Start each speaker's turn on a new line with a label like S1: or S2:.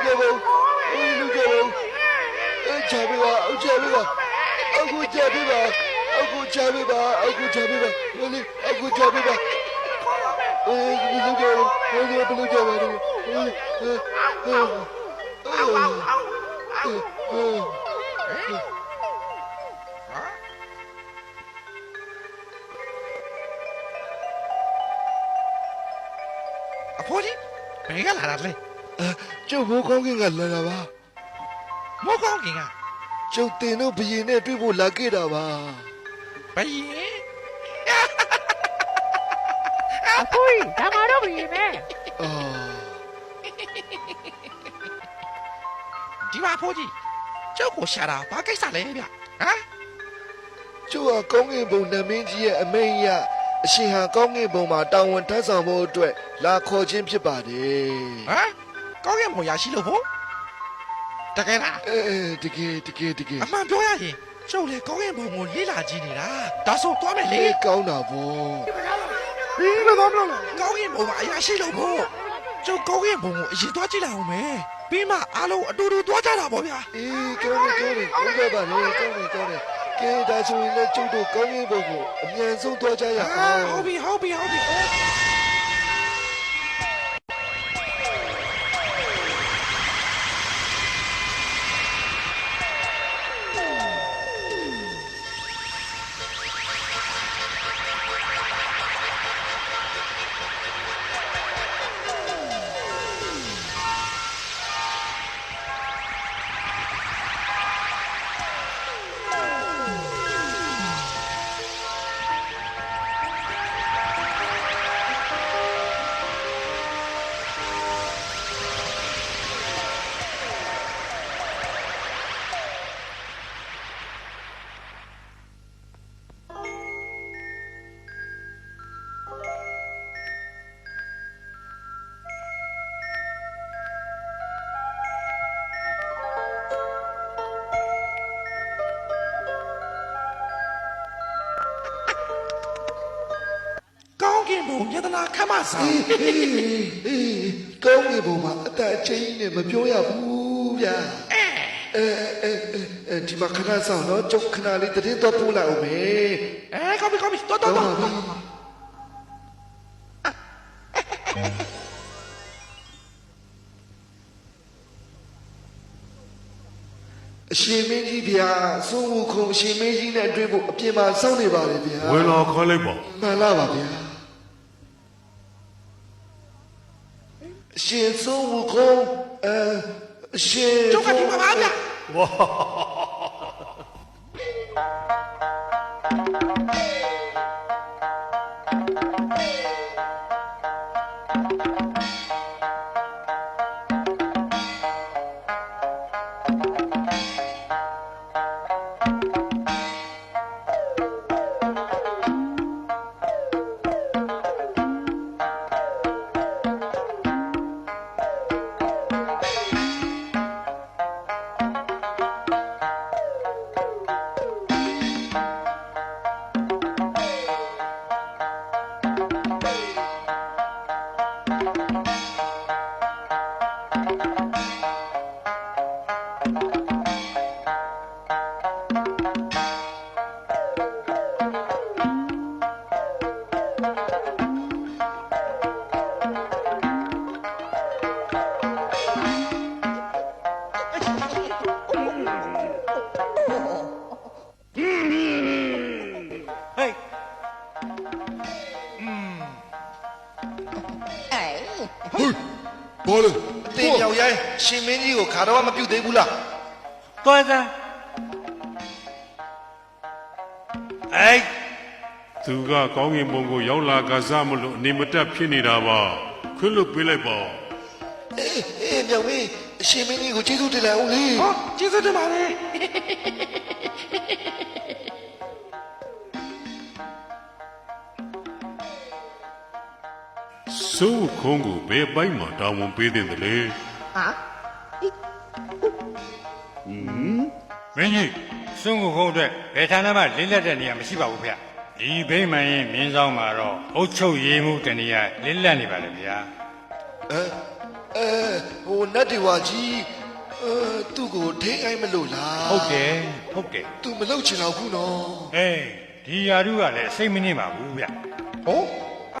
S1: ဖိုးကြီးဘယ်ကလာတာလဲ
S2: ကျုပ်မိုးကောင်းကင်ကလာတာပါ
S1: မိုးကောင်းကင်က
S2: ကျုပ်တင်တို့ဘရင်နဲ့တွေ့ဖို့လာခဲ့တာပါ
S1: ဘရင်
S3: အဖိုးကြီးဒါမှတော့ဘရင်ပဲ
S1: ဒီမှာဖိုးကြီးကျုပ်ကိုရှာတာဘာကိစ္စလဲဗျဟမ်
S2: ကျုပ်ကကောင်းကင်ဘုံနမင်းကြီးရဲ့အမိန့်အရအရှင်ဟာကောင်းကင်ဘုံမှာတာဝန်ထမ်းဆောင်ဖို့အတွက်လာခေါ်ခြင်းဖြစ်ပါတယ်
S1: ဟမ်ကောင်းကင်ဘုံရရှိလို့ဖို့တကယ်လား
S2: တကယ်
S1: အမှန်ပြောရရင်ကျုပ်လေကောင်းကင်ဘုံကိုလေးလာကြည့်နေတာဒါဆိုသွားမယ်လေ
S2: ကောင်းတာပေါ့
S1: ဒီလိုတော့မလို့ကောင်းကင်ဘုံမှာအရာရှိလို့ဖို့ကျုပ်ကောင်းကင်ဘုံကိုအရင်သွားကြည့်လိုက်အောင်မယ်ပြီးမှအားလုံးအတူတူသွားကြတာပေါ့ဗျာ
S2: ကောင်းတယ်ဟုတ်ကဲ့ပါလေကောင်းတယ်ကဲဒါဆိုရင်လည်းကျုပ်တို့ကောင်းကင်ဘုံကိုအမြန်ဆုံးသွားကြရအောင်
S1: ဟုတ်ပြီဘုံယတနာခမဆောင်
S2: ကောင်းကင်ဘုံမှာအတအချင်းနဲ့မပြောရဘူးဗျာဒီမှာခဏဆောင်တော့ကျုပ်ခဏလေးတည်းတော့ပို့လိုက်အောင်မယ်
S1: ကောင်းပြီတော်
S2: အရှင်မင်းကြီးဗျာသုံးဝခုအရှင်မင်းကြီးနဲ့တွေ့ဖို့အပြင်မှာစောင့်နေပါလေဗျာ
S4: ဝင်လာခေါ်လိုက်ပါ
S2: မှန်လားပါဗျာရှင်သုံးဝခုရှင်
S1: ကျုပ်ကဒီမှာပါဗျာ
S4: ဝါ
S2: ဘောလေတင်ရောက်ရိုင်းရှင်မင်းကြီးကိုခါတော့မပြုတ်သေးဘူးလား
S5: တော်စမ်း
S4: သူကကောင်းကင်ဘုံကိုရောက်လာကစားမလို့အနေမတက်ဖြစ်နေတာပါခွင့်လွတ်ပေးလိုက်ပါ
S2: မြောင်မင်းရှင်မင်းကြီးကိုကျေးဇူးတင်လိုက်အောင်လေ
S1: ကျေးဇူးတင်ပါလေ
S4: စိုးခုံးကိုဘယ်ပိုင်းမှာတာဝန်ပေးတဲ့လဲ
S5: မင်းကြီးစွန့်ကိုခုံးအတွက်ဘယ်ဌာနမှလင်းလက်တဲ့နေရာမရှိပါဘူးဗျဒီဘိမှန်ရင်မင်းဆောင်မှာတော့အုတ်ချုပ်ရေးမှုတနေရာလင်းလက်နေပါလေဗျာ
S2: ဟိုနတ်ဒီဝါကြီးသူ့ကိုထိန်းအိုင်းမလို့လား
S5: ဟုတ်တယ်ဟုတ်တယ်
S2: သူမလုပ်ချင်တော့ဘူးနော်
S5: အေးဒီယာရုကလည်းစိတ်မနှိမ့်ပါဘူးဗျ
S1: ဟော